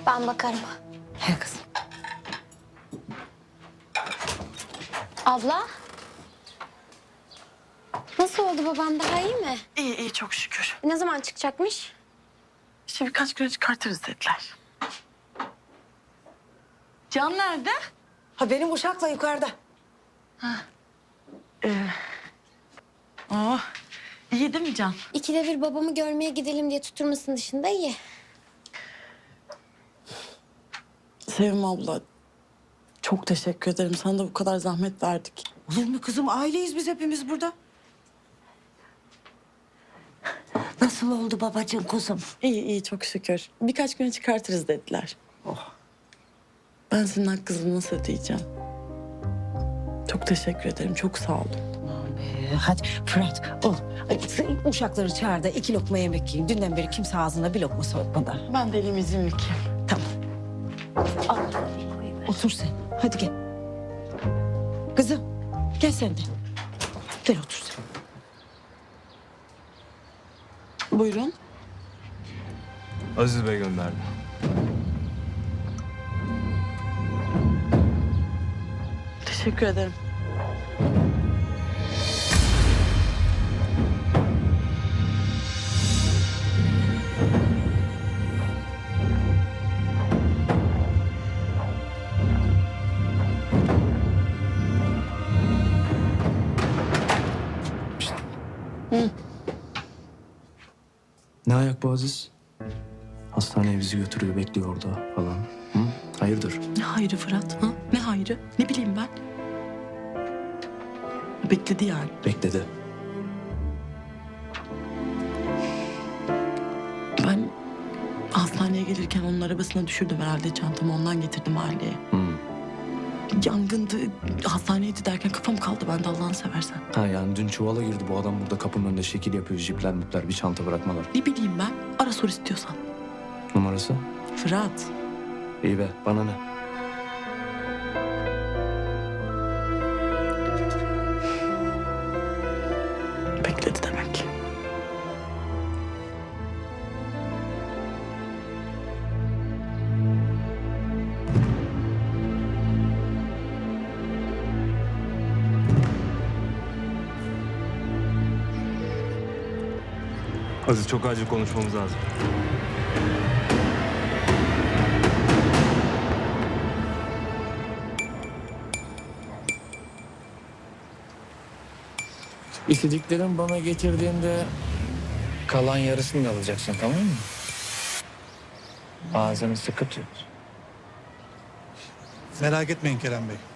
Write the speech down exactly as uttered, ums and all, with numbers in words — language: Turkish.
Ben bakarım. He kızım. Abla. Nasıl oldu babam, daha iyi mi? İyi iyi çok şükür. Ne zaman çıkacakmış? İşte birkaç güne çıkartırız dediler. Can nerede? Ha benim uşakla yukarıda. Oh, iyi değil mi Can? İkide bir babamı görmeye gidelim diye tutturmasının dışında iyi. Sevim abla, çok teşekkür ederim. Sana da bu kadar zahmet verdik. Olur mu kızım? Aileyiz biz hepimiz burada. Nasıl oldu babacığım kuzum? İyi iyi çok şükür. Birkaç güne çıkartırız dediler. Oh. Ben senin hakkınızı nasıl ödeyeceğim? Çok teşekkür ederim. Çok sağ olun. Ee, hadi Fırat, oğlum. Ay, sen uşakları çağır da iki lokma yemek yiyin. Dünden beri kimse ağzına bir lokma sokmadı. Ben de elim izinlik. Tamam. Al. Otur sen. Hadi gel. Kızım, gel sen de. Gel otur sen. Buyurun. Aziz Bey gönderdi. Teşekkür ederim. Ne ayak bu Aziz? Hastaneye bizi götürüyor, bekliyor orada falan. Hı? Hayırdır? Ne hayrı Fırat? Ha? Ne hayrı? Ne bileyim ben? Bekledi yani. Bekledi. Ben hastaneye gelirken onun arabasına düşürdüm herhalde çantamı. Ondan getirdim aileye. Hı. Yangındı, hastaneydi derken kafam kaldı bende Allah'ını seversen. Ha yani dün çuvala girdi bu adam, burada kapının önünde şekil yapıyor. Jipler mipler, bir çanta bırakmalar. Ne bileyim ben? Ara sor istiyorsan. Numarası? Fırat. İyi be, bana ne? Bekledi demek. Aziz, çok acil konuşmamız lazım. İstediklerini bana getirdiğinde kalan yarısını da alacaksın, tamam mı? Ağzını sıkı tut. Merak etmeyin Kerem Bey.